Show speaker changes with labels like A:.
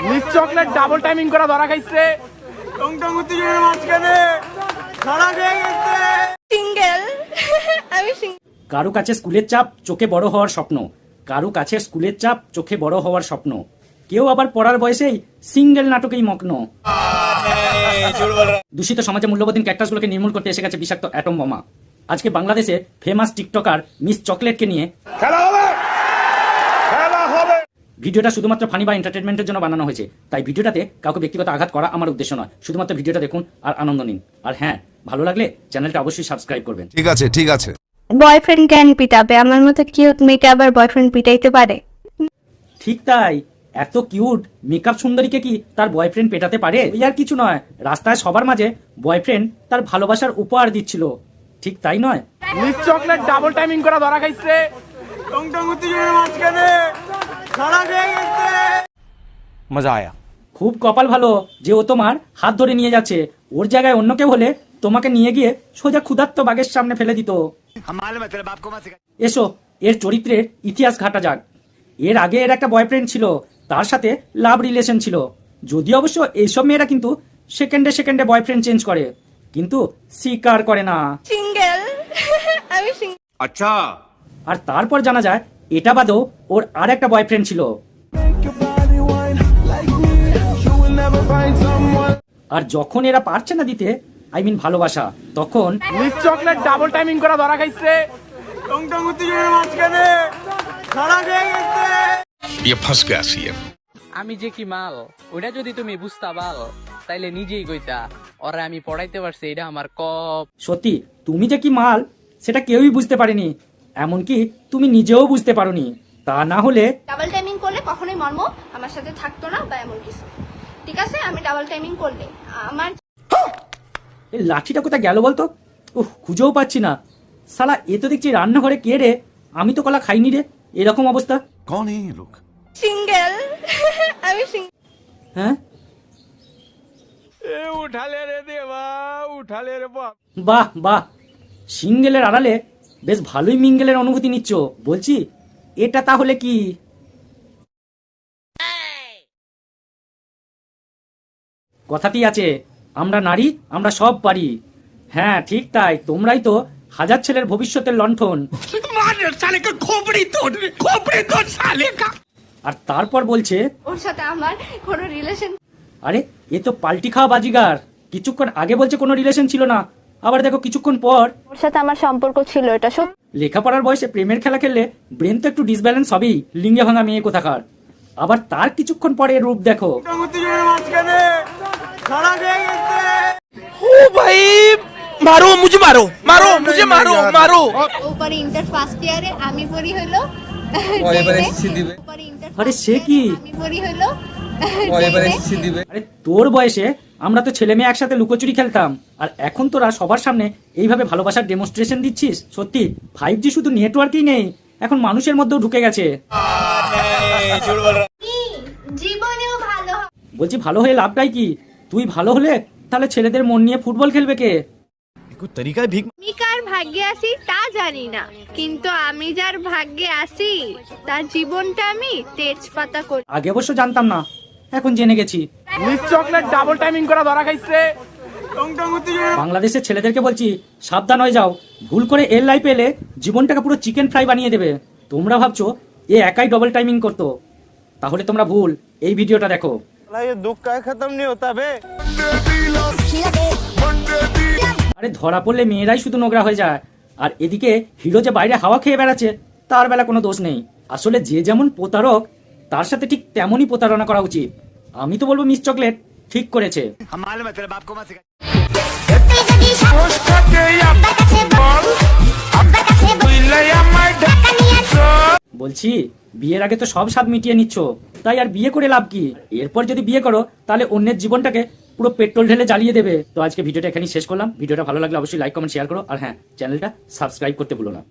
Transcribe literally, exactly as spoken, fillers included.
A: Miss chocolate double timing করা ধরা খাইছে। টং টং উত্তেজনার মাঝখানে ধরা খেয়ে গেছে।
B: সিঙ্গেল আমি
C: কারো কাছে স্কুলের চাপ, চোখে বড় হওয়ার স্বপ্ন। কারো কাছে স্কুলের চাপ, চোখে বড় হওয়ার স্বপ্ন। কেউ আবার পড়ার বয়সেই সিঙ্গেল নাটকেই মগ্ন। দূষিত সমাজে মূল্যবোধীন ক্যাক্টাসগুলোকে নির্মূল করতে এসে গেছে বিষাক্ত অ্যাটম বোমা। আজকে বাংলাদেশে ফেমাস টিকটকার মিস চকলেটকে নিয়ে
A: খেলা হবে, খেলা হবে।
C: ভিডিওটা শুধুমাত্র ফানি বা এন্টারটেনমেন্টের জন্য বানানো হয়েছে, তাই ভিডিওটাতে কাউকে ব্যক্তিগত আঘাত করা আমার উদ্দেশ্য নয়। শুধুমাত্র ভিডিওটা দেখুন আর আনন্দ নিন। আর হ্যাঁ, ভালো লাগলে চ্যানেলটা অবশ্যই সাবস্ক্রাইব করবেন।
D: ঠিক আছে ঠিক আছে।
B: বয়ফ্রেন্ড কেন পিটাবে? আমার মতো কিউট মেয়েটা আবার বয়ফ্রেন্ড পিটাইতে পারে?
C: ঠিক তাই, এত কিউট মেকআপ সুন্দরীকে কি তার বয়ফ্রেন্ড পেটাতে পারে? ওই আর কিছু নয়, রাস্তায় সবার মাঝে বয়ফ্রেন্ড তার ভালোবাসার উপহার দিচ্ছিল, ঠিক তাই নয়?
A: মিস চকলেট ডাবল টাইমিং করা ধরা খাইছে। টং টং উত্তেজনার মাঝখানে ধরা খেয়ে গেছে। মজা আয়া।
C: খুব কপাল ভালো যে ও তোমার হাত ধরে নিয়ে যাচ্ছে। ওর জায়গায় অন্য কেউ হলে তোমাকে নিয়ে গিয়ে সোজা ক্ষুধার্ত বাঘের সামনে ফেলে দিত। এসো এর চরিত্রের ইতিহাস ঘাটা যাক। এর আগে এর একটা বয়ফ্রেন্ড ছিল, তার সাথে লাভ রিলেশন ছিল। যদি অবশ্য এইসব মেয়েরা কিন্তু সেকেন্ডে সেকেন্ডে বয়ফ্রেন্ড চেঞ্জ করে, কিন্তু স্বীকার করে না।
B: সিঙ্গেল আমি
A: আচ্ছা।
C: আর তারপর জানা যায় এটা বাদেও ওর আর একটা বয়ফ্রেন্ড ছিল। আর যখন এরা পারছে না দিতে, আই মিন ভালোবাসা, তখন
A: মিস চকলেট ডাবল টাইমিং করা ধরা খাইছে। টং টং উত্তেজনার মাঝখানে ধরা খেয়ে গেছে।
E: ये फंस गया सीएम।
F: আমি যে কি মাল, ওইটা যদি তুমি বুঝতা পাল তাইলে নিজেই কইতা ওরা আমি পড়াইতে পারছি, এটা আমার কপ।
C: সত্যি তুমি যে কি মাল সেটা কেউই বুঝতে পারেনি, এমনকি তুমি নিজেও বুঝতে পারোনি। তা না হলে
B: ডাবল টাইমিং করলে কখনোই মর্ম আমার সাথে থাকতো না বা এমন কিছু। ঠিক আছে, আমি ডাবল টাইমিং করলে আমার
C: এই লাঠিটা কোথায় গেল বলতো? উহ, খুঁজেও পাচ্ছি না। শালা এ তো দেখছি রান্নাঘরে কে রে? আমি তো কলা খাইনি রে। এরকম অবস্থা।
D: कौन है ये लोग?
B: সিঙ্গেল আমি
C: হ্যাঁ,
A: এ উঠালে রে দেবা, উঠালে রে বাপ।
C: বাহ বাহ, সিঙ্গেলের আড়ালে বেশ ভালোই মিঙ্গেলের অনুভূতি নিচ্ছ। বলছি এটা তাহলে কি? কথাতেই আছে, আমরা নারী আমরা সব পারি। হ্যাঁ ঠিক তাই, তোমরাই তো হাজার ছেলের ভবিষ্যতের লণ্ঠন। আর তারপর বলছে
B: ওর সাথে আমার কোনো রিলেশন।
C: আরে এ তো পাল্টি খাওয়া বাজিগার। কিছুক্ষণ আগে বলছে কোনো রিলেশন ছিল না, আবার দেখো কিছুক্ষণ পর
B: ওর সাথে আমার সম্পর্ক ছিল, এটা সত্যি।
C: লেখাপড়ার বয়সে প্রেমের খেলা খেললে ব্রেন তো একটু ডিসব্যালেন্স হবেই, লিঙ্গে ভাঙা মেয়ে কোথাকার। আবার তার কিছুক্ষণ পরে এর রূপ দেখো।
A: টং উত্তেজনার মাঝখানে ধরা খেয়ে গেছে।
G: ओ भाई मारो मुझे, मारो मारो मुझे, मारो मारो।
B: উপরে ইন্টার ফার্স্ট ইয়ারে আমি পড়ি হলো
C: আরে সে কি?
B: আমি পড়ি হলো
C: আরে তোর বয়সে আমরা তো ছেলে মেয়ে একসাথে লুকোচুরি খেলতাম, আর এখন তোরা সবার সামনে এইভাবে ভালোবাসার ডেমনস্ট্রেশন দিচ্ছিস। সত্যি ফাইভ জি শুধু নেটওয়ার্কই নেই, এখন মানুষের মধ্যেও ঢুকে গেছে।
B: জীবনেও ভালো হবে।
C: বলছি ভালো হয়ে লাভটাই কি? তুই ভালো হলে তাহলে ছেলেদের মন নিয়ে ফুটবল খেলবে কে?
D: कोई तरीका है भीख
B: আমি কার ভাগ্যে আছি তা জানি না, কিন্তু আমি যার ভাগ্যে আছি তার জীবনটা আমি তেজপাতা করি।
C: আগে অবশ্য জানতাম না, এখন জেনে গেছি।
A: মিস চকলেট ডাবল টাইমিং করা ধরা খাইছে। টং টং উত্তেজনার
C: বাংলাদেশের ছেলেদেরকে বলছি সাবধান হয়ে যাও, ভুল করে এর লাইফ এলে জীবনটাকে পুরো চিকেন ফ্রাই বানিয়ে দেবে। তোমরা ভাবছো এ একাই ডবল টাইমিং করতো, তাহলে তোমরা ভুল। এই ভিডিওটা দেখো।
A: ये दुख का खत्म नहीं होता बे।
C: আরে ধরা পড়লে মেয়েরাই শুধু নোংরা হয়ে যায়, আর এদিকে হিরো যে বাইরে হাওয়া খেয়ে বেড়াচ্ছে তার বেলা কোনো দোষ নেই। আসলে যে যেমন প্রতারক তার সাথে ঠিক তেমনই প্রতারণা করা উচিত। আমি তো বলবো মিস চকলেট ঠিক করেছে। বলছি বিয়ের আগে তো সব স্বাদ মিটিয়ে নিচ্ছ, তাই আর বিয়ে করে লাভ কি? এরপর যদি বিয়ে করো তাহলে অন্যের জীবনটাকে পুরো পেট্রোল ঢেলে জ্বালিয়ে দেবে। তো আজকে ভিডিওটা এখানেই শেষ করলাম। ভিডিওটা ভালো লাগলে অবশ্যই লাইক কমেন্ট শেয়ার করো, আর হ্যাঁ চ্যানেলটা সাবস্ক্রাইব করতে ভুলো না।